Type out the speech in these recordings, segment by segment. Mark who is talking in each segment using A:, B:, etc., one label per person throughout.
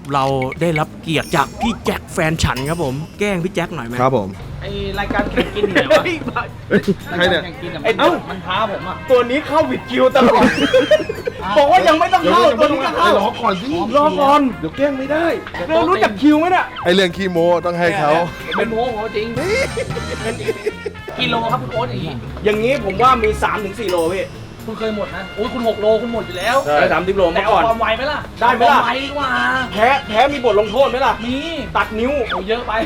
A: เราได้รับเกียรติจากพี่แจ็คแฟนฉันครับผมแกล้งพี่แจ็คหน่อยไหม
B: ครับผม
C: ไอรายการแข่งกินอยู่ไหนวะ
B: ใครเนี่ย
C: แข่งกิน
A: ไอ้เอ้า
C: มันท้าผมอ่ะ
A: ตัวนี้เข้าวิดคิวตลอดบอกว่ายังไม่ต้องเข้าตัวนี้ก็เข้าร
B: อก่อนสิ
A: รอก่อน
B: เดี๋ยวแกล้งไม่ได้
A: เรารู้จักคิวไหมเนี่ย
B: ไอเรื่องคีโมต้องให้เขา
C: เป็นโม้ของเขาจริงกิโลครับคุณโอ๊ตอย่างนี้
A: อย่างนี้ผมว่ามี 3-4 โลพี่
C: คุณเคยหมดนะโอ้ยคุณ6 โลคุณหมดอยู่แล้ว
A: ได้30 โล
C: แต่
A: เมื่อ
C: เอา
A: ก่อน
C: ความไวไหมล่ะ
A: ได้ไหมล่ะ
C: เอาความไวดีกว่า
A: แพ้มีบทลงโทษไหมล่ะ
C: มี
A: ตัดนิ้ว
C: โอ้เยอะไป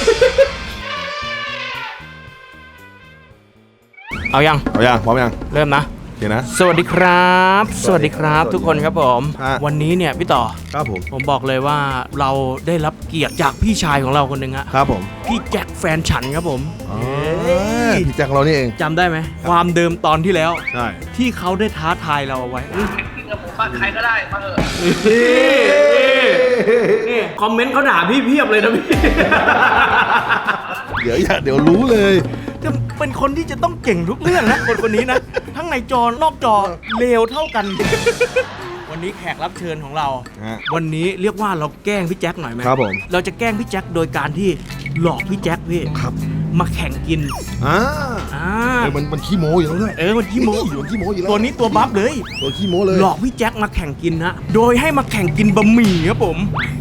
A: เอายัง
B: เอายังพร้อมยัง
A: เริ่มนะ
B: โอเคนะ
A: สวัสดีครับ สวัสดีครับ
B: สวัสดี
A: ทุกคนครับผม
B: ฮะ
A: วันนี้เนี่ยพี่ต่อ
B: ครับผม
A: ผมบอกเลยว่าเราได้รับเกียรติจากพี่ชายของเราคนหนึ่งฮะ
B: ครับผม
A: พี่แจ็คแฟนฉันครับผม
B: พี่แจ็คเรานี่เอง
A: จำได้ไหมความเดิมตอนที่แล้ว
B: ใช่
A: ที่เขาได้ท้าทายเราเอาไว้
C: ใครก็ได้มาเถอะ
A: นี่คอมเมนต์เขาด่าพี่เพียบเลยนะพี่
B: เดี๋ยวรู้เลย
A: จะเป็นคนที่จะต้องเก่งทุกเรื่องนะคนนี้นะ ทั้งในจอนอกจอเลวเท่ากัน วันนี้แขกรับเชิญของเรา
B: ฮะ
A: วันนี้เรียกว่าเราแกล้งพี่แจ็คหน่อยไหม
B: ครับผม
A: เราจะแกล้งพี่แจ็คโดยการที่หลอกพี่แจ็คพี่
B: ครับ
A: มาแข่งกิน
B: อ่า
A: อ่า
B: มันขี้โม้อยู่แล้วด้วย
A: มันขี้โม้
B: มันขี้โม้อยู่แล้ว
A: ตัวนี้ตัวบัฟเลย
B: ตัวขี้โม้เลย
A: หลอกพี่แจ็คมาแข่งกินนะโดยให้มาแข่งกินบะหมี่ครับผม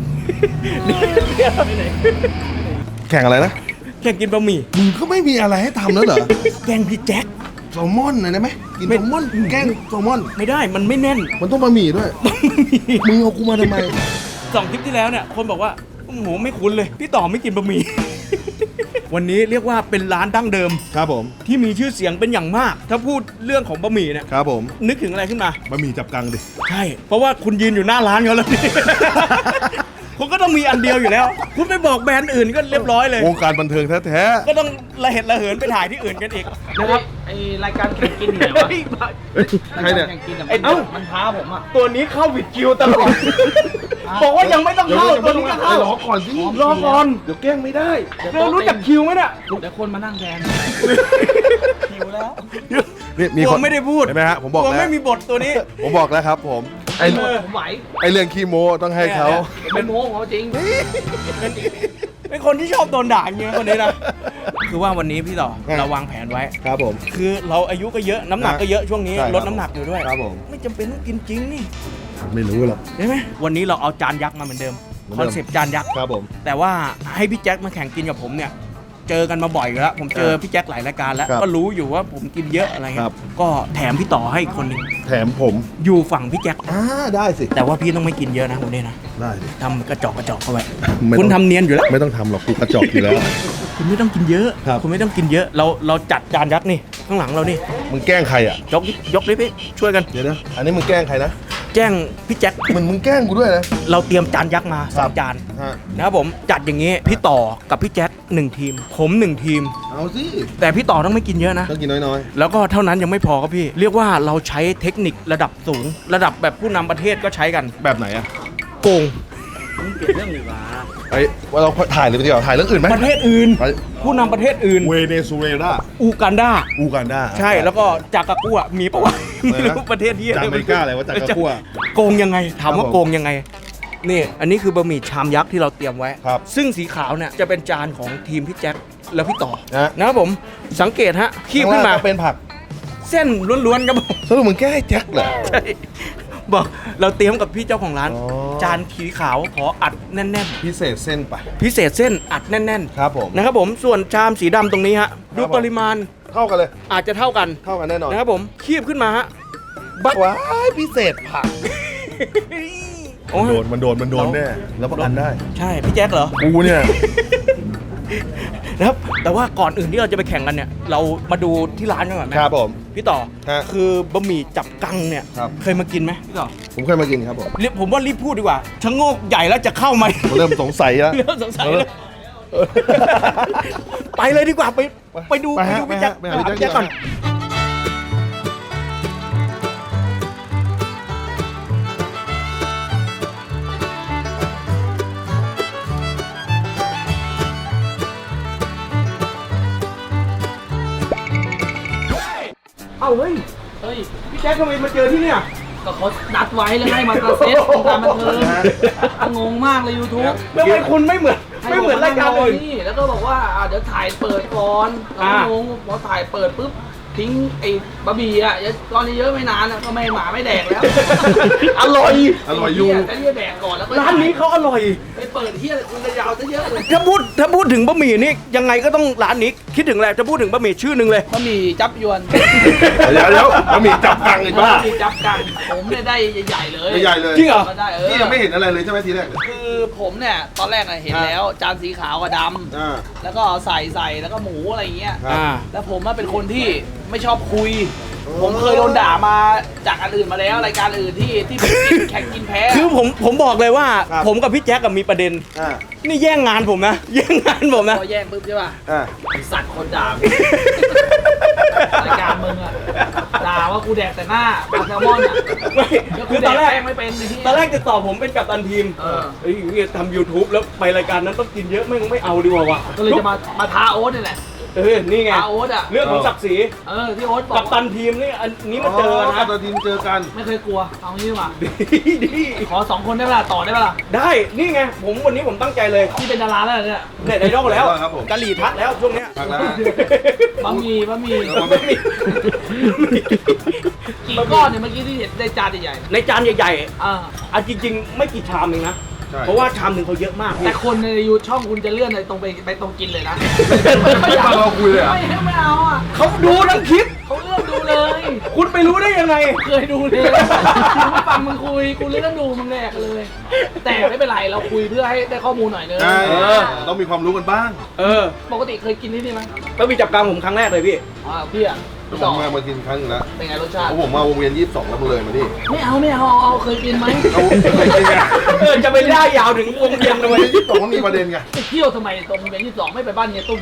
B: แข่งอะไรนะ
A: แข่งกินบะหมี่
B: มึงก็ไม่มีอะไรให้ทำแล้วเหรอ
A: แกล้งพี่แจ็ค
B: แซลมอนหน่อยได้ไหมกินแซลมอนแกล้งแซลมอน
A: ไม่ได้มันไม่แน่น
B: มันต้องบะหมี่ด้วย มึงเอากูมาทำไม
A: 2 คลิปที่แล้วเนี่ยคนบอกว่าโอ้โหไม่คุ้นเลยพี่ต่อไม่กินบะหมี่ วันนี้เรียกว่าเป็นร้านดั้งเดิม
B: ครับผม
A: ที่มีชื่อเสียงเป็นอย่างมาก ถ้าพูดเรื่องของบะหมี่เนี่ย
B: ครับผม
A: นึกถึงอะไรขึ้นมา
B: บะหมี่จับกังดิ
A: ใช่ เพราะว่าคุณยืนอยู่หน้าร้านเขาแล้วนี่ คุณก็ต้องมีอันเดียวอยู่แล้ว คุณไปบอกแบรนด์อื่นก็เรียบร้อยเลยว
B: งการบันเทิงแท้
A: ก็ต้องระเหตุระเหินไปถ่ายที่อื่นกันอีกนะครับ
C: ไอรายการแข่งกินอยู่ไหนวะ
B: ๆใครเนี่ย
C: แข่งกิน
A: ไอ้เอ้า
C: มันท้าผมอ่ะ
A: ตัวนี้เข้าวิดคิวตลอด บอกว่ายังไม่ต้องเข้าตัวนี้ก็เข้าร
B: อก่อนสิ
A: รอก่อน
B: เดี๋ยวแกล้งไม่ได้
A: เรารู้จักคิวไหมเนี่ย
C: เดี๋ยวคนมานั่งแทนหิวแล้ว
B: นี่มี
A: กลั
B: คน
A: วไม่ได้พูด
B: เห็นไหมฮะผมบอก
A: กลัว
B: แล้ว
A: ไม่มีบทตัวนี้
B: ผมบอกแล้วครับผมไอ
C: ผมไหว
B: เรื่องขี้โมต้องให้เขา
C: เป็นโม้ของเขาจริง
A: เป็นคนที่ชอบโดนด่าอย่างเงี้ยคนนี้นะ คือว่าวันนี้พี่ต่อเราวางแผนไว้
B: ครับผม
A: คือเราอายุก็เยอะน้ำหนักก็เยอะช่วงนี้
B: ใช่ครับ
A: ลดน้ำหนักอยู่ด้วย
B: ครับผม
A: ไม่จำเป็นต้องกินจริงนี่
B: ไม่รู้หรอก
A: ใช่ไหมวันนี้เราเอาจานยักษ์มาเหมือนเดิม
B: เหมือน
A: ค
B: เดิ
A: อน
B: ม
A: เซปต์จานยักษ์
B: ครับผม
A: แต่ว่าให้พี่แจ็คมาแข่งกินกับผมเนี่ย เจอกันมาบ่อยอยู่แล้วผมเจอพี่แจ็คหลายรายการแล้ว
B: ครับ
A: ก็รู้อยู่ว่าผมกินเยอะอะไร
B: ค
A: เงี้
B: รั
A: ย
B: บ
A: ก็แถมพี่ต่อให้อีกคนหนึง
B: แถมผม
A: อยู่ฝั่งพี่แจ็ค
B: ได้สิ
A: แต่ว่าพี่ต้องไม่กินเยอะนะวันนี้นะ
B: ได้สิ
A: ทำกระจอกเข้าไป
B: ไม่ต้อง
A: คุณทำเนียนอยู่แล้ว
B: ไม่ต้องทำหรอกกูกระจอกอยู่แล้ว
A: คุณไม่ต้องกินเยอะ
B: ครับ
A: คุณไม่ต้องกินเยอะ เราจัดจานยักษ์นี่ข้างหลังเรานี่
B: มึงแกล้งใครอ่ะ
A: ยกดิพี่ช่วยกัน
B: เดี๋ยวนะอันนี้มึงแกล้งใครนะ
A: แจ้งพี่แจ็ค
B: มึงแกล้งกูด้วยนะ
A: เราเตรียมจานยักษ์มาสามจาน
B: ฮะ
A: นะครับผมจัดอย่างนี้พี่ต่อกับพี่แจ็ค1 ทีม ผม1 ทีม
B: เอาสิ
A: แต่พี่ต่อต้องไม่กินเยอะนะ
B: ต้องกินน้อย
A: แล้วก็เท่านั้นยังไม่พอครับพี่ เรียกว่าเราใช้เทคนิคระดับสูง ระดับแบบผู้นำประเทศก็ใช้กัน
B: ๆแบบไหนอ่ะ
A: โกง
C: เปลี่ยนเรื่องดีกว่า
B: ไอ้ว่าเราถ่ายเลยดีกว่าถ่ายเรื่องอื่นไหม
A: ประเทศอื่น
B: ไป
A: ผู้นำประเทศอื่น
B: เวเนซุเอลา
A: อูกันดา
B: อูกันดา
A: ใช่แล้วก็จากากัวมีปะวะ
B: อะไรนะ
A: ไม่รู้ประเทศที่
B: จากอเมริกาอะไรวะจากากัว
A: โกงยังไงถามว่า
B: ครับผม
A: โกงยังไงนี่อันนี้คือบะหมี่ชามยักษ์ที่เราเตรียมไว้
B: ครับ
A: ซึ่งสีขาวเนี่ยจะเป็นจานของทีมพี่แจ็คแล้วพี่ต่อ
B: นะ
A: นะครับผมสังเกตฮะคีบขึ้นมา
B: ข้งล่งก็เป็นผัก
A: เส้นล้วนๆครับผม
B: สรุปมึงแกล้งให้แจ็คเหรอ
A: ใช่บอกเราเตรียมกับพี่เจ้าของร้าน
B: อ๋อ
A: จานสีขาวขออัดแน่น
B: พิเศษเส้นไป
A: ๆ พิเศษเส้นอัดแน่น
B: ครับผม
A: ๆนะครับผมส่วนชามสีดำตรงนี้ฮะดู
B: ครับผม
A: ปริมาณ
B: เท่ากันเลย
A: อาจจะเท่ากัน
B: เท่ากันแน่นอน
A: นะครับผมคีบขึ้นมาฮะบัก
B: ว้ายพิเศษผัก
A: โอ้ย
B: มันโดนแน่แล้วประกันได้
A: ใช่พี่แจ็คเหรอ
B: กูเนี่ย
A: นะครับแต่ว่าก่อนอื่นที่เราจะไปแข่งกันเนี่ย เรามาดูที่ร้านกันก่อนไหม
B: ครับผม
A: พี่ต่อ
B: ฮะ
A: คือบะหมี่จับกังเนี่ย
B: ครับ
A: เคยมากินไหมพี่ต่อ
B: ผมเคยมากินครับผม
A: ผมว่ารีบพูดดีกว่าชะโงกใหญ่แล้วจะเข้าไหม
B: ผมเริ่มสงสัยแล้ว
A: เริ่มสงสัยแล้วไปเลยดีกว่าไปดู
B: ไปฮะ
A: พี่แจ็ค
B: ไปหาพี่แจ็ค
A: พี่แจ็คก่อนเอาเฮ้ย
C: เฮ้ย
A: พี่แจ็คทำไมมาเจอที่เนี่ย
C: ก็เขานัดไว้แล้วให้มากระเซ็ตวงการบันเทิงงงมากเลย YouTube
A: แล้วทำไมคุณไม่เหมือนรายการอื่น
C: นี่แล้วก็บอกว่าเดี๋ยวถ่ายเปิดก่อนเราก็งงพอถ่ายเปิดปุ๊บทิ้งไอ้บะหมี่อ่ะตอนนี้เยอะไม่นานก็ไม่หมาไม่แดกแล้ว
A: อร่อย
B: อยู่
C: จะเรียกแดกก่อนแล้วก็
A: ร้านนี้เขาอร่อย
C: ไปเปิดที่อะไรคุณจะยาวซะเยอะเลย
A: ถ้าพูดถึงบะหมี่นี่ยังไงก็ต้องร้านนี้คิดถึงอะไรจะพูดถึงบะหมี่ชื่อหนึ่งเลย
C: บะหมี่จับยวน
B: เดี๋ยวบะหมี่จับกังอีกบ้า
C: บะหมี่จับกันผมเนี่ยได้ใหญ่ๆเลย
B: ใหญ่เลย
A: จริงเหรอ
C: ก็ได้
B: นี่ยังไม่เห็นอะไรเลยใช่ไหมทีแรก
C: คือผมเนี่ยตอนแรกเห็นแล้วจานสีขาวกับดำ
B: อ่า
C: แล้วก็ใส่แล้วก็หมูอะไรอย่างเงี้ย
B: ครับ
C: แล้วผมเป็นคนที่ไม่ชอบคุย ผมเคยโดนด่ามาจากอันอื่นมาแล้วรายการอื่นที่แข่งกินแพ้
A: คือผมบอกเลยว่า
B: ครับ
A: ผมกับพี่แจ๊คกับมีประเด็น
B: อ่า
A: นี่แย่งงานผมนะ แย่งงานผมนะ
C: พอแย่งปุ๊บใช่ป่ะ
B: อ่า
C: ไอ้สัตว์คนด่า รายการมึงอะด่าว่ากูแดกแต่หน้าปลาแซลมอนอะ
A: ไม่
C: แล้ว
A: คื
C: กู
A: อ
C: แด
A: ตอก นแรก
C: แป้งไม่เป็นไอ้ที่
A: ตอนแรกจะตอบผมเป็นกัปตันทีม
C: เออ
A: เฮ้ยทำ YouTube แล้วไปรายการนั้นต้องกินเยอะไม่เอาดีกว่าว่ะ
C: ก็เลยจะมาท้าโอ๊ตนี่แหละ
A: นี่ไง
C: ท้าโอ๊ตอะ
A: เรื่องของศักดิ์ศรี
C: ที่โอ๊ตบอ
A: กั
C: ก
A: ปตันทีมนี่อันนี้มาเจอนะ
B: กับตัวทีมเจอกัน
C: ไม่เคยกลัวเอางี้ดีกว่า
A: ดี
C: ขอ2 คนได้เวลาต่อได้เวลา
A: ได้นี่ไงวันนี้ผมตั้งใจเลย
C: ที่เป็นดาราแล้วเนี่ย
A: เน็ตไอดอลแล้ว
B: ครับผม
A: กะหรี่ทัดแล้วช่วงเนี้ย
B: พักแล้ว
C: บะหมี่
B: บะหมี่
C: กี่ก้อนเนี่ยเมื่อกี้ที่เห็นได้จานใหญ่
A: ในจานใหญ่
C: ๆอ่า
A: ๆอ่ะจริง ๆ ไม่กี่ชามเองนะ
B: ใช่
A: เพราะว่าชามหนึ่งเขาเยอะมาก
C: แต่คนในยูช่องคุณจะเลื่อนเลยตรงไปตรงกินเลยนะ
B: ไม่ฟังเราคุยเลยเหรอ
C: ไม่เอาอ่ะ
A: เขาดูทั้งคลิป
C: เขาเลื่อนดูเลย
A: คุณไปรู้ได้ยังไง
C: เคยดูเลยกูไม่ฟังมึงคุยกูเลื่อนดูมึงแรกเลย แต่ไม่เป็นไรเราคุยเพื่อให้ได้ข้อมูลหน่อยนึง
B: ใช่ต้องมีความรู้กันบ้าง
C: ปกติเคยกินที่นี่ไหม
A: แล้วมีจับกลางผมครั้งแรกเลยพี่
C: พี่อ่ะ
B: ผม
C: ต่อ
B: มากินครั้งหนึงแล้ว
C: เป็นไงรสชาติ
B: เพราะผมมาวงเวียน22แล้วมาเลยมาดิ
C: ไม่เอาเอาเคยกินไหม
B: เอาเคยกินไง
A: จะไปได้ยาวถึงวงเวียน
B: วง
A: เลย
B: เวียน22มันมีประเด็นไง
C: ไปเที่ยวทำไมตรงเวียน22ไม่ไปบ้านเฮียตุ้ม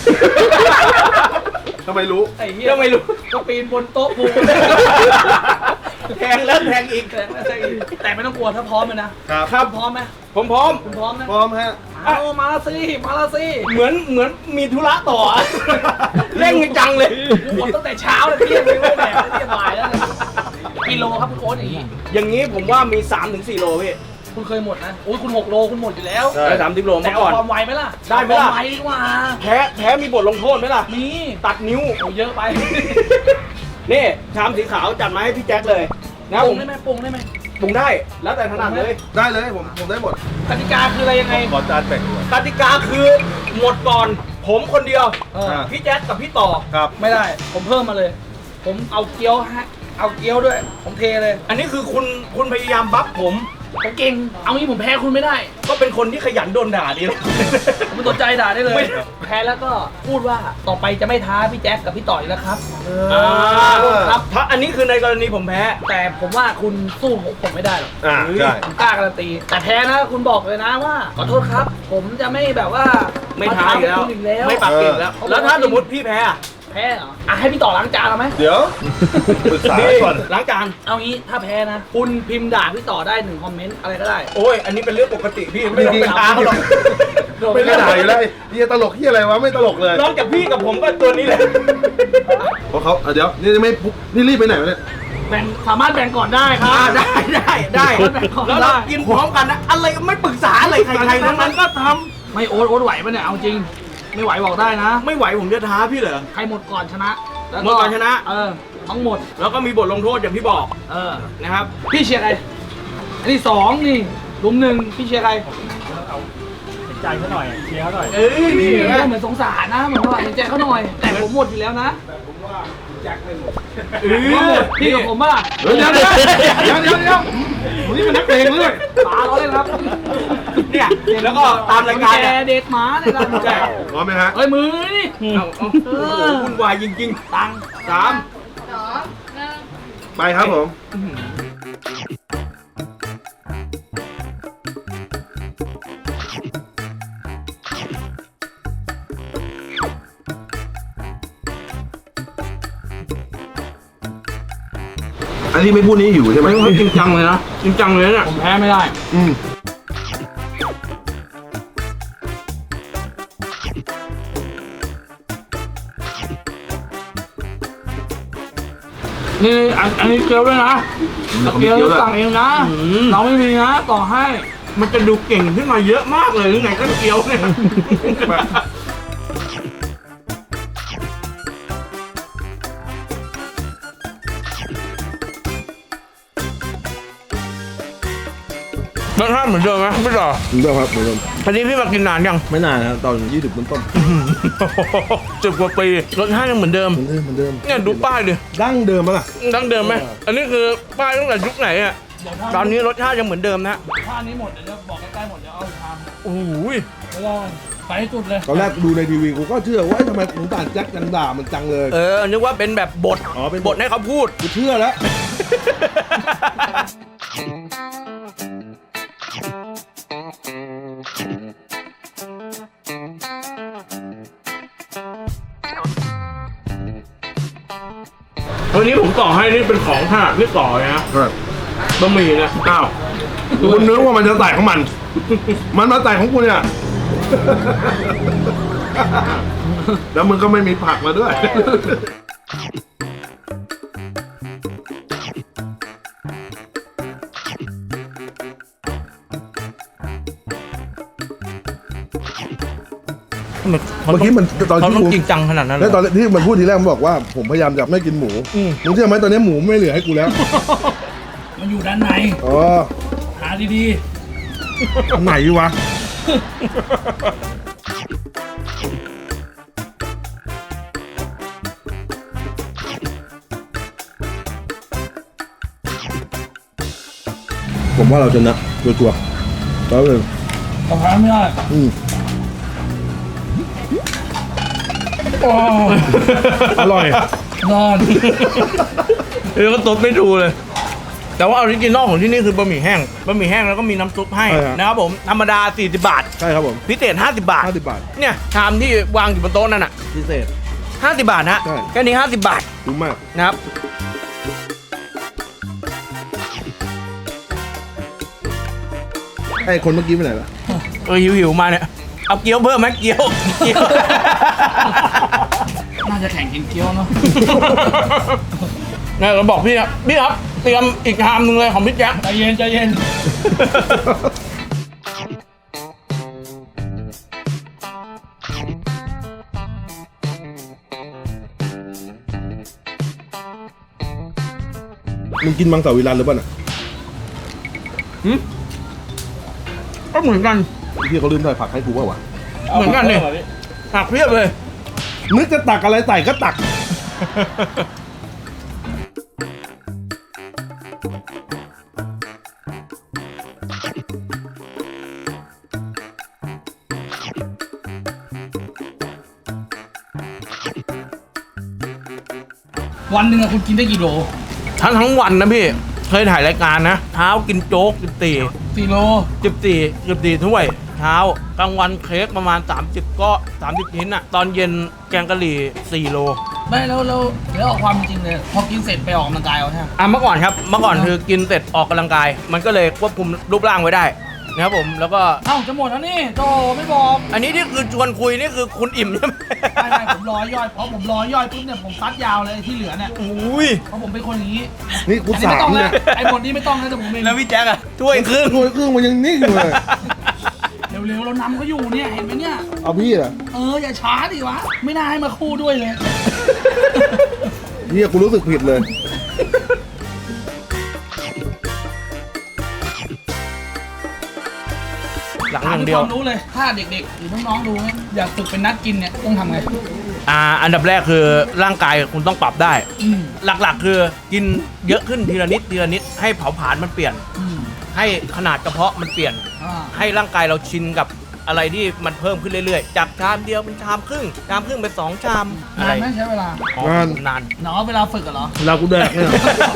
B: ทำไมรู้
C: ไอ้เฮีย
A: ก็ไม่รู้
C: ก็ปีนบนโต๊ะปู
A: แทงแล้วแทงอีก
C: แต่ไม่ต้องกลัวถ้าพร้อมเลยนะครับ
A: ครับ
C: พร้อมไหม
A: ผมพร้อม
C: คุณพร้อมไหม
B: พร้อมฮะ
C: เอามาละสิ
A: เหมือนมีธุระต่อ เร่งจังเลย
C: กูหมดตั้งแต่เช้าเลยเที่ยงเลยไม่แดกเที่ยงบ่ายแล้วเนี่ยกิโลครับคุณโอ๊ตอย่างนี้
A: อย่างนี้ผมว่ามี 3-4 โลพี่
C: คุณเคยหมดนะโอ้ยคุณ6 โลคุณหมดอยู่แล้ว
B: ใช่
A: ได้30 โล
C: แต่
A: มา
C: เอา
A: ก่อน
C: ความไวไหมล่ะ
A: ได้ไหมล่ะ
C: เอาความไวดีกว่า
A: แพ้มีบทลงโทษไหมล่ะ
C: มี
A: ตัดนิ้ว
C: โอ้เยอะไป
A: นี่ชามสีขาวจัดมาให้พี่แจ็คเลยนะ
C: ป
A: ผ
C: รุง
A: ม
C: ได้ไหมปรุงได้ไหม
A: ปรุงได้ แล้วแต่ถนัดเลย
B: ได้เลยผมได้หมด
C: กติกาคืออะไรยังไง
B: ขอจานแบ่งด้วย
A: กติกาคือหมดก่อน ผมคนเดียว
C: เออ
A: พี่แจ็คกับพี่ต่อ
B: ครับ
C: ไม่ได้ ผมเพิ่มมาเลย ผมเอาเกี๊ยวฮะเอาเกี๊ยวด้วย ผมเทเลย
A: อันนี้คือคุณพยายามบัฟผม
C: ผมเก่ง เอางี้ผมแพ้คุณไม่ได้
A: ก็เป็นคนที่ขยันโดนด่าดีนะ
C: ผมไม่สนใจด่าได้เลย
A: ไม่
C: แพ้แล้วก็พูดว่าต่อไปจะไม่ท้าพี่แจ๊คกับพี่ต่อยแล้วครับ
A: ครับถ้าอันนี้คือในกรณีผมแพ้
C: แต่ผมว่าคุณสู้ผมไม่ได้หรอก
B: อ่าใช่
C: ผมกล้าการันตี แต่แพ้นะคุณบอกเลยนะว่าขอโทษครับ ผมจะไม่แบบว่า
A: ไม่ท้าอีกแล้ว
C: คุณอีกแล้ว
A: ไม่ปากเก่งแล้ว แล้วถ้าสมมติพี่แพ้อะ
C: แพ้เหรออ่ะให้พี่ต่อล้างจานเอาไหม
B: เดี๋ยวปรึกษาก่อน
A: ล้างจาน
C: เอางี้ถ้าแพ้นะ คุณพิมพ์ด่าพี่ต่อได้1 คอมเมนต์อะไรก็ได้
A: โอ้ย อันนี้เป็นเรื่องปกติพี่ไม่ต้องไปท้าเขาหรอก
B: ไม่ได้ด่าอยู่แล้วเฮียตลกเฮียอะไรวะไม่ตลกเลย
A: นอกจากพี่กับผมก็ตัวนี้เลย
B: เพราะเขาเดี๋ยวนี่ไม่นี่รีบไปไหนวะเนี่ย
C: แบ่งสามารถแบ่งก่อนได้ครับ
A: ได้
C: แบ่งก่อน
A: แล้วเรากินพร้อมกันนะ อะไรไม่ปรึกษาอะไรใครๆทั้งนั้นก็ท
C: ไม่โอ๊ตไหวปะเนี่ยเอาจริง ไม่ไหวบอกได้นะ
A: ำไม่ไหวผมจะท้าพี่เหรอ
C: ใครหมดก่อนชนะแล้ว
A: หมดก่อนชนะ
C: ทั้งหมด
A: แล้วก็มีบทลงโทษอย่างที่บอก
C: เออ
A: นะครับ
C: พี่เชียร์ใครอันนี้2นี่ลุม1พี่เชียร์ใคร
A: ใจเขาหน่อยเชียร์เขาหน่อย
C: นี่
A: นี่นะ
C: เหมือนสงสารนะเหมือนว่าเห็นใจเขาหน่อย แต่ผมหมดอยู่แล้วนะพี่กับผมป่ะ
B: เดี๋ยวนี่มันนักเลงเลย
C: ป๋าเราเล่นครับ
A: เนี่ยแล้วก็ตามรายการ
C: แก
A: เนี่ย
C: เด็ดหมาเนี่ยนะ
A: ใช่
B: พร้อมไหมฮะ
C: เฮ้ยมือนี่
A: เอาโอ้โหวุ่นวายจริง
C: ตังค์
A: ๆ 3
B: ไปครับผม อันนี้ไม่พูดนี้อยู่ใช่ไหม
A: จริงจังเลยนะ จริงจังเลยเนี่ย
C: ผมแพ้ไม่ได้
B: อืม
C: นี่อันนี้เกลียวด้วยนะตะเกียบสั่งเองนะ เราไม่มีนะต่อให้
A: มันจะดูเก่งขึ้นมาเยอะมากเลยหรือไงก็เกี๊ยวเนี่ยรสชาติเหมือนเดิมไหมพี่ต่อ
B: เหมือนเดิมครับเหมือนเดิม
A: อันนี้พี่มากินนานยัง
B: ไม่นานนะตอน20ต้น
A: 10 กว่าปีรสชาติยังเหมือนเดิม
B: ๆเหมือนเดิม
A: เนี่ยดูป้ายดิ
B: ดั้งเดิมมั้งล่ะ
A: ดั้งเดิมไหมอันนี้คือป้ายตั้งแต่ยุคไหนอ่ะตอนนี้รสชาติยังเหมือนเดิมนะ
C: ถ้านี้หมดเดี๋ยวบอกใกล้ๆหมดเดี๋ยวเอาท
A: โอ้โห
C: ำแล้วไปให้สุดเลย
B: ตอนแรกดูในทีวีกูก็เชื่อว่าเอ้ยทำไมหมูป่าแจ็คยังด่ามันจังเลย
A: นึกว่าเป็นแบบบท
B: อ๋อเป็น
A: บทให้เขาพูด
B: กูเชื่อแล้ว
A: วันนี้ผมต่อให้นี่เป็นของถนัดพี่ต่อเลยนะครับ บะหมี่เนี่ยอ้าว
B: คุณนึกว่ามันจะใส่ของมัน มันมาใส่ของกูเนี่ย แล้วมึงก็ไม่มีผักมาด้วย เมื่อกี้มันตอน
A: เขา
B: ที่
A: ต้อง
B: กู
A: จริงจังขนาดนั้นเหร
B: แล้วตอน
A: อ
B: ที่มันพูดทีแรกมันบอกว่าผมพยายามจะไม่กินหมู
A: อืม
B: มึงเชื่อไหมตอนนี้หมูไม่เหลือให้กูแล้ว
C: มันอยู่ด้านใน
B: อ๋อ
C: หาดี
B: ไหนวะ ผมว่าเราชนะชัวร์ๆแล้วเลย
C: ๆกระเพราไม่ได้
B: อร่อย
C: นอน
A: ก็ตบไม่ดูเลย แต่ว่าออริจินอลของที่นี่คือบะหมี่แห้งบะหมี่แห้งแล้วก็มีน้ำซุปให้
B: ใช่ครับ
A: นะครับผมธรรมดา40 บาท
B: ใช่ครับผม
A: พิเศษ50 บาท
B: 50 บาท
A: เนี่ยชามที่วางอยู่บนโต๊ะนั่นน่ะ
B: พิเศษ
A: 50 บาทฮะ
B: ใช่
A: แค่นี้50 บาท
B: คุ้มมาก
A: นะครับ
B: ไอ้คนเมื่อกี้ไปไหนล่ะ
A: หิวๆมาเนี่ยเอาเกี๊ยวเพิ่มไหมเกี๊ยว
C: น่าจะแข่งกินเกี๊ยวเนาะ
A: เนี่ยเราบอกพี่ครับพี่ครับเตรียมอีกชามหนึงเลยของพี่แจ๊ค
C: ใจเย็นใจเย็น
B: มึงกินมังสวิรัติหรือเปล่าน่ะ
A: ก็เหมือนกัน
B: ที่เขาลืมใส่ผักให้กูเปล่าวะ
A: เหมือนกันนี่ผักเพียบเลย
B: นึกจะตักอะไรใส่ก็ตัก
C: วันหนึ่งอะคุณกินได้กี่โล
A: ทั้งวันนะพี่ เคยถ่ายรายการนะเช้ากินโจ๊ก
C: 4 โล
A: 14ถ้วยเช้ากลางวันเค้กประมาณ30ก็30ชิ้นอ่ะตอนเย็นแกงกะหรี่4 โล
C: ไม่แล้วเดี๋ยวเอาความจริงเลย พอกินเสร็จไปออกกำลังกายเอาใช่ไหม
A: เมื่อก่อนครับเมื่อก่อนคือกินเสร็จออกกำลังกาย มันก็เลยควบคุมรูปร่างไว้ได้นะครับผมแล้วก็
C: เอ้าจะหมดแล้วนี่โตไม่บอก
A: อันนี้ที่คือชวนคุยนี่คือคุณอิ่มใช่ไหม
C: ไม่ผมรอย่อยเพราะผมรอย่อยปุ๊บเนี่ยผมซัดยาวเลยที่เหลือเนี่ย
A: อุ้ย
C: เพราะผมเป็นคนอย่างนี้
B: นี่กู
C: อันนี้
B: สา
C: ไม่
B: ม
C: ต้อง
B: เนี่
C: นะ
B: ย
C: ไอ้หมดนี้ไม่ต้องนะแต่ผมเอง
A: แล้วพี่แจ๊คอะถ้วยครึ่ง
B: ถ้วยครึ่งมันยังนิ่งอยู่เลย
C: เร็วๆเรานำเขาอยู่เนี่ยเห็นไหมเนี่ย
B: เอาพี่เหรอ
C: อย่าช้าดิวะไม่น่าให้มาคู่ด้วยเลย
B: เนี่ยกูรู้สึกผิดเลย
A: หลัง
C: ถา
A: อ
C: ม
A: ย่าง
C: ด้
A: เดี
C: วย
A: ยว
C: ความรู้เลย ถ้าเด็กๆหรือน้องๆดูเนี่ยอยากฝึกเป็นนักกินเนี่ยต้องทำไง
A: อันดับแรกคือร่างกายคุณต้องปรับได้
C: อืม
A: หลักๆ คือกินเยอะขึ้นทีละนิดให้เผาผลาญมันเปลี่ยน
C: อืม
A: ให้ขนาดกระเพาะมันเปลี่ยน ให้ร่างกายเราชินกับอะไรที่มันเพิ่มขึ้นเรื่อยๆ จากชามเดียวเป็นชามครึ่งเป็น2 ชามอะ
C: นา
A: ไร
C: นไหมใช้เวลา
A: อ๋อน
B: าน
A: นาน
C: เวลาฝึกอะเหรอ
B: เรากูแดกเนี่ย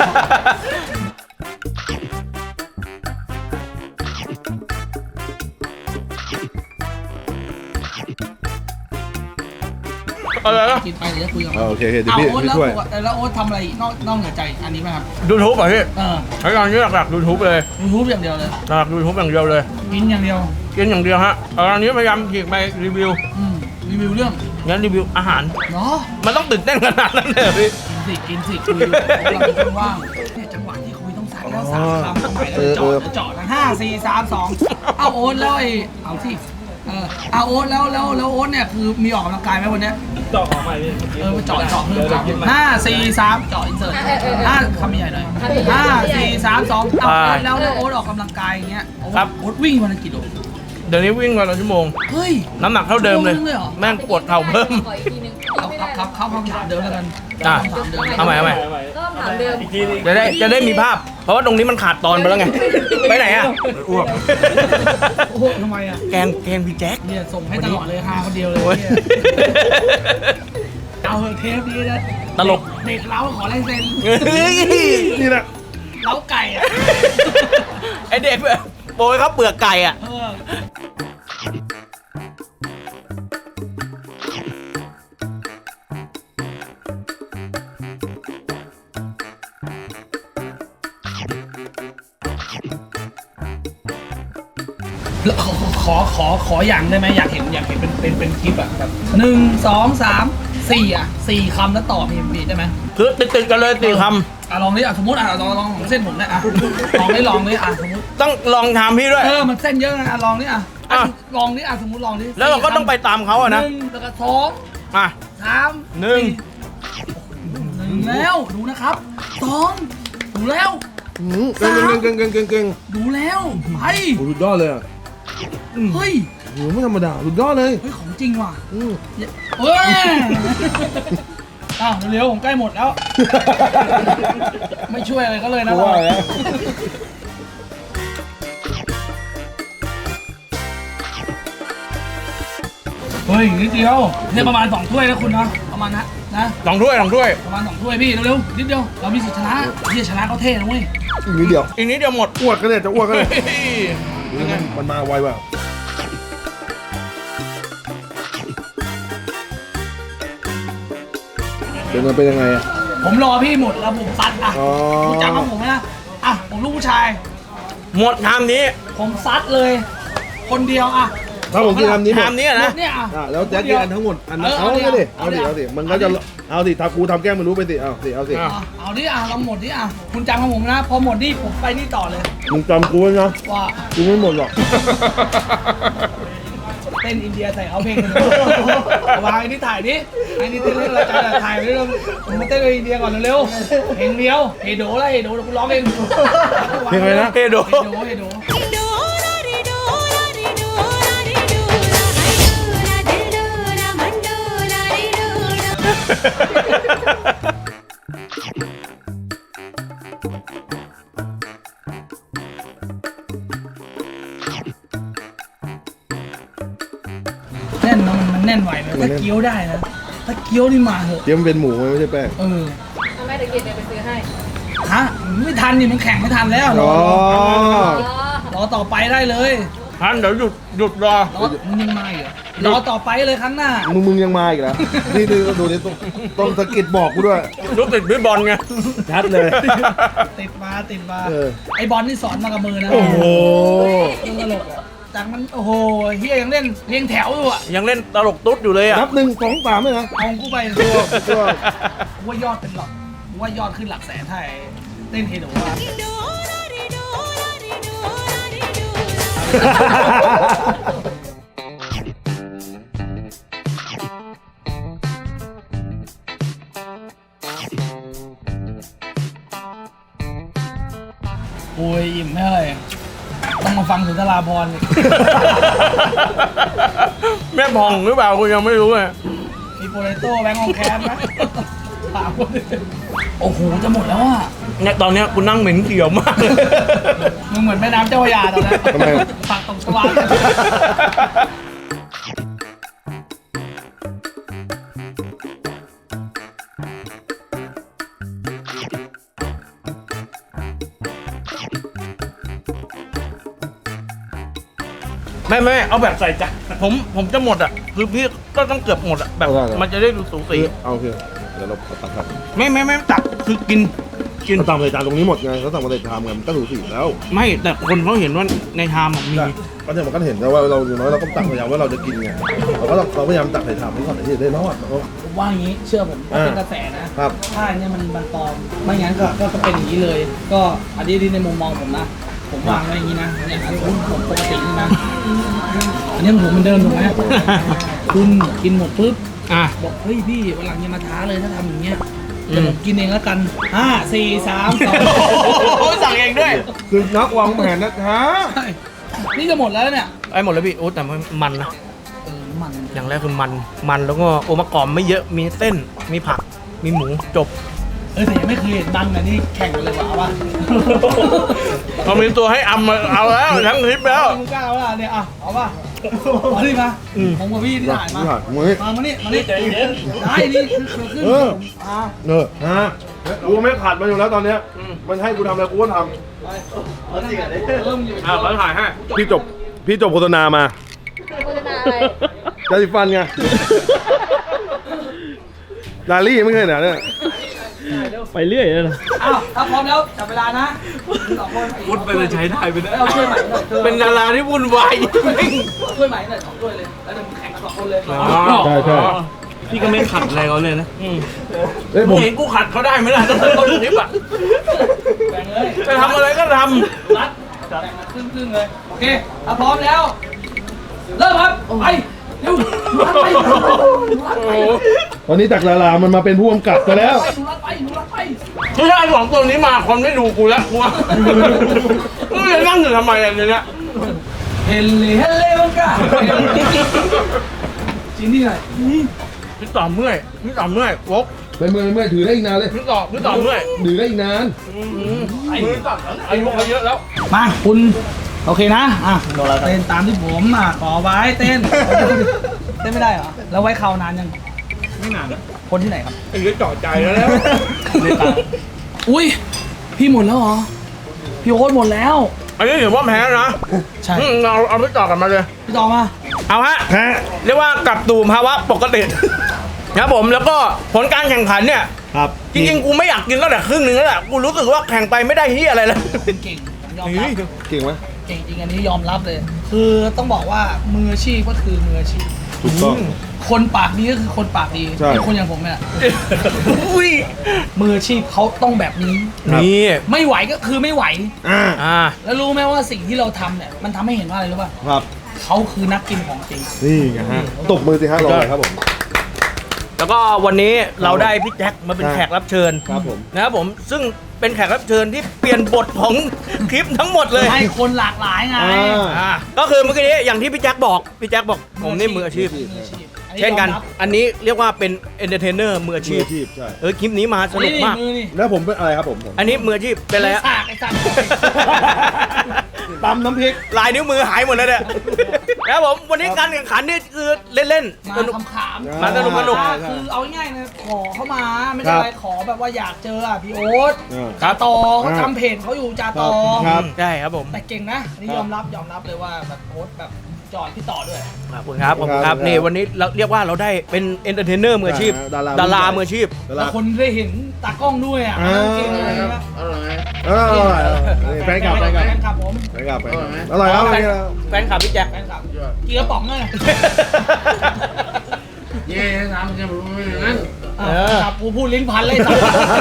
A: อะไรนะ
C: กินไปเดี๋ยวจะคุยกับ
B: โอเคเดี๋ยว
C: เอา
B: พี่
C: โอ๊ต
B: พี่
C: แล้ว
B: ช่วย
C: แล้วโอ๊ตทำอะไรอีกนอกเหนือใจอันนี้ไหมครับ
A: ยูทูบป่ะพี่
C: เออ
A: ใช้การนี้หลักๆยูทูบเลย
C: ยูทูบอย่างเดียวเลย
A: หลักยูทูบอย่างเดียวเลย
C: กินอย่างเดียว
A: กินอย่างเดียวฮะอันนี้พยายามฉีกไปรีวิว
C: รีวิวเรื่อง
A: งั้นรีวิวอาหาร
C: เนาะ
A: มันต้องตื่นเต้นขนาดนั้นเลยเหรอพี่
C: กินสิคุยเราเป็นคนว่างเนี่ยจังหวะที่คุยต้องสั่งแล้ว3 คำเอาใหม่แล้วเจาะทั้ง5 4 3 2เอาโอ๊ตแล้วเอาที่เอาโอ๊ตแล้วโอ๊ตเนี่ยคือมีออกกำลังกายไหมวันเนี้ยเจาะของใหม่เจาะเพิ่ม5 4 3เจาะอินเสิร์ต5 คำใหญ่หน่อย5 4 3 2เอาโอ๊ตแล้วโอ๊ตออกกำลังกายอย่างเงี้ยโอ๊ตวิ่งวันละกี่โล
A: เดี๋ยวนี้วิ่งวันละชั่วโมง
C: เฮ้ย
A: น้ำหนักเท่าเดิมเลย
C: ชั่วโงนึงหรอ
A: แม่งปวดเข่าเพิ่ม
D: ขออีกทีนึง
C: เข้าคำถามเดิมแล้วกัน
A: อ่ะ เอาใหม่
D: เริ่มถามเดิม
A: จะได้มีภาพ เพราะว่าตรงนี้มันขาดตอนไปแล้วไง ไปไหนอ่ะ
B: อ้วก
C: โอ้โหทำไมอ่ะ
A: แกงพี่แจ็ค
C: เนี่ยส่งให้ตลอดเลย5 คนเดียวเลย
A: โอ้ย
C: เนี่ยเอาเถอะเทปนี้นะ
A: ตลก
C: เด็กเล้าขอลายเซ็น
B: นี่แหละ
C: เล้าไก่อ่ะ
A: ไอเด็กแบบโปรยเขาเปลือกไก่อ่ะ
C: เออแล้วขออย่างได้ไหมอยากเห็นเป็นคลิปแบบ1 2 3 4อ่ะ4 คำแล้วต่อมีได้ไหม
A: คือติดๆกันเลย4 ค
C: ลองดิสมมติลองเส้นผมเนี่ยลองดิสมมติ
A: ำต้องลองทำพี่ด้วย
C: มันเส้นเยอะนะลองดิลองดิสมมติลองดิ
A: แล้วเราก็ต้องไปตามเขาอะนะ
C: 1แล้วก็2
A: อ่ะ
C: 3
A: หนึ่ง
C: 1แล้วดูนะครับ2ดูแล้ว
B: เก่ง
C: ดูแล้วไป
B: โอ้สุดยอดเลยอ่ะ
C: เฮ้ย
B: โหไม่ธรรมดาสุดยอดเลย
C: ของจริงว่ะ
B: อืม
C: เฮ้ยเร็วผมใกล้หมดแล้ว ไม่ช่วยอะไรก็เลยนะ
B: ว่าแล้ว
C: เฮ้ยนิดเดียวเนี่ยประมาณ2 ถ้วยนะคุณเนาะประมาณนะ
A: 2 ถ้วย 2 ถ้วย
C: ประมาณ2 ถ้วยพี่เร็วๆนิดเดียวเรามีสิทธิ์ชนะที่ชนะเขาเท่นะเว้ย
B: อีกนิดเดียว
A: อีกนิดเดียวหมด
B: อ้วกก็เลยจะอ้วกก็เลย
A: เฮ้ย
B: มันมาไวว่ะเป็นยังไงอ่ะ
C: ผมรอพี่หมดแล้วผมซัดอ่ะ
B: อ๋อ
C: รู้จักกับผมไหมนะผมลูกผู้ชาย
A: หมดชามนี้
C: ผมซัดเลย คนเดียว
B: ถ้าผมกินคำนี้หม
A: ชา
B: ด
A: มนี้อะนะ
C: เนี่ย
B: แล้วแจ็คกินอันทั้งหมดอันนั้นเอาดิเอาดิมันก็จะเอาสิถ้ากูทำแกล้งไม่รู้ไปสิเอาสิ
A: อ่ะ
C: เอาดิเราหมดดิคุณจำกับผมนะพอหมดดิผมไปนี่ต่อเลย
B: มึงจำกูไว้นะ
C: ว่า
B: กูไม่หมดหรอก
C: เต้นอินเดียใส่เขาเพลงกันวางไอ้นี่ถ่ายดิไอ้นี่เต้นเรื่องอะไรกันถ่ายไปเรื่องผมมาเต้นกับอินเดียก่อนเร็วๆเพลงเดียวเฮโดแล้วเฮโดกูร้องเอง
B: เพลงอะไรนะ
A: เฮโด
C: เฮโดแน่นนะมันแน่นไหวไหมถ้าเกี๊ยวได้นะถ้าเกี๊ยวนี่มาเหอะ
B: เดี๋ยวมันเป็นหมูไม่ใช่แป้ง
D: ทำไมตะเกียบเดี๋ยวไปซื้อให้
C: ฮะไม่ทันนี่มันแข่งไม่ทันแล้วรอต่อไปได้เลย
A: ท่านเดี๋ยวหยุดรอ
C: มันยังมาอีกรอต่อไปเลยครั้งหน้า
B: มึงยังมาอีกแล้วนี่ดูนี่ต้องสะกิดบอกกูด้วย
A: ลูกติดพี่บอลไง
B: ชัดเลย
C: ติดมา
B: เออ
C: ไอบอลนี่สอนมากับมือนะ
B: โอ้โห
C: เรื่องตลกจากมันโอ้โหเฮียยังเล่นเรียงแถวอยู่อ่ะ
A: ยังเล่นตลกตุ๊ดอยู่เลยอ่ะ
B: นับ1 2 3เลยนะ
C: เอากูไป
B: ตัว
C: ว่ายอดเป็นหลักว่ายอดขึ้นหลักแสนไทยเล่นเฮโดว่าโอ้ยอิ่มไม่เลยต้องมาฟังสุนทราภรณ์
A: แม่พองหรือเปล่าคุณยังไม่รู้ไง
C: มีโปเตโต้แบงค์อองแคมไหมถามคนโอ้โหจะหมดแล้วอ่ะ
A: เนี่ยตอนเนี้ยคุณนั่งเหม็นเขียวมากเลย
C: มึงเหมือนแม่น้ำเจ้าพระยาตอนนั้น
B: ทำไม
C: ปากตกชวา
A: ไม่เอาแบบใส่จานผมจะหมดอ่ะคือพี่ก็ต้องเกือบหมดอ่ะแบบมันจะได้ดูสูสี
B: เอาโอเคเดี๋ยวเราตักครับ
A: ไม่ตักคือกิน
B: เราสั่งใส่จานตรงนี้หมดไงเราสั่งมาใส่ชามไงมันก็ถูสีแล้ว
A: ไม่แต่คนเขาเห็นว่าในชามอะมี
B: ก็เดี๋ยวมันก็เห็นแล้วว่าเราอย่างน้อยเราก็ตักพยายามว่าเราจะกินไงเราพยายามตักใส่ชามนี้ก่อนที่จะได้รอด
C: ผมว่าอย่างนี้เชื่อผมว่าเป็นกระแสนะ
B: ครับ
C: ถ้าอันเนี่ยมันปลอมไม่งั้นก็เป็นอย่างนี้เลย ก็อันนี้ในมุมมองผมนะผมวางไว้อย่างนี้นะเนี่ยอันนี้ผมปกตินี่นะอันนี้ผมมันเดิมถูกไหมคุณกินหมดปุ๊บ บอกเฮ้ยพี่วันหลังอย่ามาท้าเลยถ้าทำอย่างเงี้ยเดี๋ยวผมกินเองแล้วกัน5 4 3 2
A: สั่งเองด้วย
B: คือนักวางแผนนะฮะ
C: นี่จะหมดแล้วเนี่ย
A: ไอ้หมดแล้วพี่โอ้แต่มันนะ
C: มัน
A: อย่างแรกคือมันแล้วก็องค์ประกอบไม่เยอะมีเส้นมีผักมีหมูจบ
C: แต่ยังไม่เคยเห็นบังนะนี่แข่งกันเลยว่ะวะ
A: เขามีตัวให้อำมาเอาแล้วทั้งคลิปแล้ว
C: มึงกล้าป่ะเนี่ยเอาป่ะเอาดิมาผมกับพี่ที่ถ่ายมา มานี่ใจเย็นได้นี่คือขึ้น
B: ฮะกูไม่ขาดมันอยู่แล้วตอนเนี้ยมันให้กูทำอะไรกูก็ท
A: เขาถ่ายให้
B: ำพี่จบโฆษณามา
D: โฆษณาอะไร
B: ยาสีฟันไงลาลี่ไม่เคยเนี่ย
A: ไปเรื่อยเลยนะ
C: ถ้าพร้อมแล้วจับเวลานะ2 คน
A: พูดไปเลยใช้ได้ไปได้
C: เอาช่วยใหม่หน่อย
A: เป็นดาราที่วุ่นวาย
C: ช่วยใหม่หน่อย2 ด้วยเลยแล้วเดี๋ยวแข่งกัน2 คนเลย
B: ใช่
A: พี่ก็ไม่ขัดอะไรเขาเลยนะ
B: เฮ้ยผม
A: เห็นกูขัดเขาได้ไหมล่ะต้นคลิปอ่ะ
C: แบ่งเลย
A: จะทำอะไรก็ท
C: รัดแบ่งกันครึ่งเลยโอเคถ้าพร้อมแล้วเริ่มครับไปเร็วรัดไป
B: ตอนนี้จากดารามันมาเป็นผู้กำกับไปแล้ว
C: รัดไป
A: ำไม่ใช่สองตัวนี้มาคนไม่ดูกูแล้วกูว่ากูจะนั่งอยู่ทำไมอันนี้เนี่ย
C: เฮลเล่บังกาจีนี่หน่อย
A: พี่ต่อเมื่อยวก
B: ไปเมื่อยถือได้อีกนานเลย
A: พี่ต่อเมื่อย
B: ถือได้อีกนาน
A: มือต่ออายุเขาเยอะแล้ว
C: มาคุณโอเคนะเต้นตามที่ผมขอไว้เต้นไม่ได้เหรอแล้วไว้เขานานยัง
A: ไม่นานแล้ว
C: คนที่ไหนครับ
A: ไอ้เรื่องจ่อใจแล้ว
C: อุ้ยพี่หมดแล้วเหรอพี่โอ๊ตหมดแล้ว
A: อันนี้ถือว่าแพ้นะ
C: ใช่
A: เอาพี่ต่อกันมาเลย
C: พี่ต่อมา
A: เอาฮะเรียกว่ากลับสู่ภาวะปกตินะครับผมแล้วก็ผลการแข่งขันเนี่ย
B: ครับ
A: จริงๆกูไม่อยากกินแล้วแหละครึ่งหนึงแล้วแหละกูรู้สึกว่าแข่งไปไม่ได้ที่อะไรเลย
C: เป็นเก่งยอมรับ
B: เก่งไหม
C: เก่งจริงอันนี้ยอมรับเลย คือต้องบอกว่ามืออาชีพก็คือมืออาชีพ
B: ถูกต้อง
C: คนปากดีก็คือคนปากดี
B: ใช่
C: เป็นคนอย่างผมเนี่ย
A: อุ้ย
C: มืออาชีพเขาต้องแบบนี้
A: นี่
C: ไม่ไหวก็คือไม่ไหว
A: อ่า
C: แล้วรู้ไหมว่าสิ่งที่เราทำเนี่ยมันทำให้เห็นว่าอะไรรู้ป่ะ
B: ครับ
C: เขาคือนักกินของจริง
B: นี่ไงฮะตบมือสิฮะรอเลยครับผม
A: แล้วก็วันนี้เราได้พี่แจ็คมาเป็นแขกรับเชิญ
B: ครับผม
A: นะครับผมซึ่งเป็นแขกรับเชิญที่เปลี่ยนบทของคลิปทั้งหมดเลย
C: ให้คนหลากหลายไง
A: ก็คือเมื่อกี้นี้อย่างที่พี่แจ็คบอกผมนี่มืออาชีพ
C: มืออาชีพ
A: เช่นกัน อันนี้เรียกว่าเป็นเอนเตอร์เทนเนอร์มืออาชีพ
B: ใช่
A: คลิปนี้มาสนุกมาก
C: มือนี่
B: แล้วผมเป็นอะไรครับผม
A: อันนี้มืออาชีพเป็นอะไรฮะ
C: สากไอ้สัตว์
B: ตำน้ำพริก
A: ลายนิ้วมือหายหมดเลยเนี่ยแล้วผมวันนี้การแข่งขันนี่คือเล่น
C: มา
A: ๆสนุก
C: ขำๆ
A: มาสนุก
C: คือเอาง่ายๆนะขอเข้ามาไม่
B: ครั
C: ใช่
B: บ
C: อะไรขอแบบว่าอยากเจอพี่โอ๊ต
A: ครั
C: จา
A: บ
C: ตอเขาทำเพจเขาอยู่จาตอ
B: ครับ
A: ใช่ครับผม
C: แต่เก่งนะอันนี่ยอมรับเลยว่าแบบโอ๊ตแบบจอดพี่ต่อด้วย
A: ขอบคุณครับนี่วันนี้เราเรียกว่าเราได้เป็นเอนเตอร์เทนเนอร์มืออาชีพ ดารามืออาชีพ
C: แล้วคนได้เห็นตากล้องด้วยอ่ะเก่งอะไรนะ
B: อร่อยแฟนคลับ
C: แฟนคลับผม
B: แฟนคลับอร่อยครับ
A: แฟนคลับพี่แจ็ค
C: แฟนคลับกี่กระป๋องเลย
E: เย่ทำจะรู้อย่างนั้น
C: ครับกูพูดลิ้นพันเลยสัตว์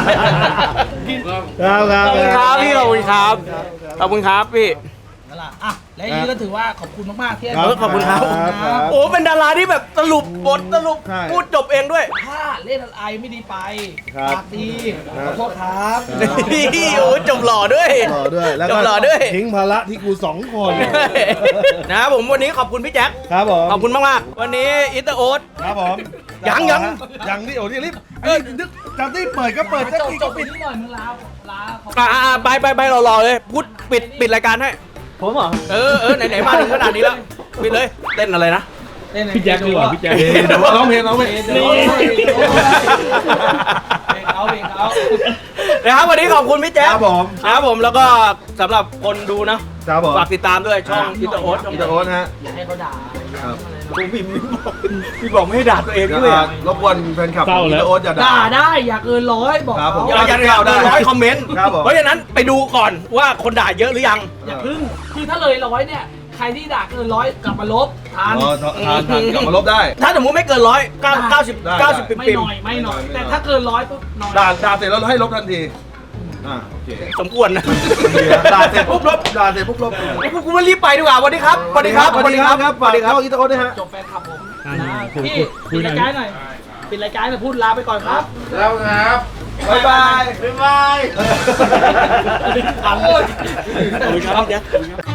B: ครับ
A: ขอบคุณครับพี่ขอบคุณครับขอบคุณครับพี่
C: นั่นแหละอ่ะและอย่างนี้ก็ถือว่าขอบคุณมากๆที่ให้
A: ขอบคุณครับ
B: ครับ
A: โอ้เป็นดาราที่แบบสรุปบทสรุป
B: ใช่
A: พูดจบเองด้วย
C: ถ้าเล่นอะไรไม่ดีไป
B: ครับ
C: ปากดีขอโทษครับ
A: นี่โอ้จบหล่อด้วย
B: หล่อด้วยแล้ว
A: จ
B: ก็
A: บหล่อด้วย
B: ทิ้งภาระที่กู2 คน
A: นะครับผมวันนี้ขอบคุณพี่แจ็ค
B: ครับผม
A: ขอบคุณมากๆวันนี้อิตาโอ๊ต
B: ครับผม
A: ยัง
B: ยังที่โอ้ที่รีบนึกจำที่เปิดก็เปิด
C: จ
B: จะ
C: บ
B: กี่
C: จ
B: ก็
C: บ
B: ปิด
C: นิดหน่อยมึงลาเขา
A: ไปรอเลยพูดปิดรายการให้ผมเหรอไหนมาถึงขนาดนี้แล้วปิดเลยเต้นอะไรนะ
C: พี่แจ็คดีกว่าพี่แจ็ค
B: เดี๋ยวร้องเพลง
C: เพลงเขา
A: นะครับวันนี้ขอบคุณพี่แจ๊ค
B: ครับผม
A: นะครับผมแล้วก็สำหรับคนดูนะ
B: ครับผม
A: ฝากติดตามด้วยช่องอิตาโอ๊ต
B: อิตาโอ๊ตฮะ
C: อย่าให้เขาด่า
B: ครับ
A: พี่บอกไม่ให้ด่าตัวเองด้วย
B: รบกวนแฟนคลับของอิตาโอ๊ตอย่า
C: ด่า
B: ด่า
C: ได้อย่าเกิน100บอก
B: ครับผม
C: เขา
A: อย่าเกิน100คอมเมนต์
B: ครับผม
A: เพราะฉะนั้นไปดูก่อนว่าคนด่าเยอะหรือยัง
C: อย่าพึ่งคือถ้าเลย100เนี่ยครที่ด่าเกิน100กลับมาลบทาน
B: อ๋อทานกลับมาลบได้
A: ถ้าสมมติไม่เกิน100 90ปิ่ม
C: ไม่
A: ปิ่ม
C: หน่อยไม่หน่อย แต่ถ้าเกิน100ปุ๊บหน่อย
B: ด่าเสร็จแล้วให้ลบทันทีโอเค
A: สมควรนะ
B: ด่าเสร็จปุ๊บลบด่าเสร็จปุ๊บลบ
A: ไอ้พวกกูมารีบไปดีกว่าสวัสดีครับสวัสดีครับ
B: สวัสดีครับฝากเข้าอีโต้ด้วยฮะ
C: จบแฟนคลับผมนะพี่ปิดรายการหน่อยปิดรายการหน่อยพูดลาไปก่อนครับ
E: แล้วครับ
B: บ๊ายบาย
E: บ๊ายบาย
A: ขอบคุณครับ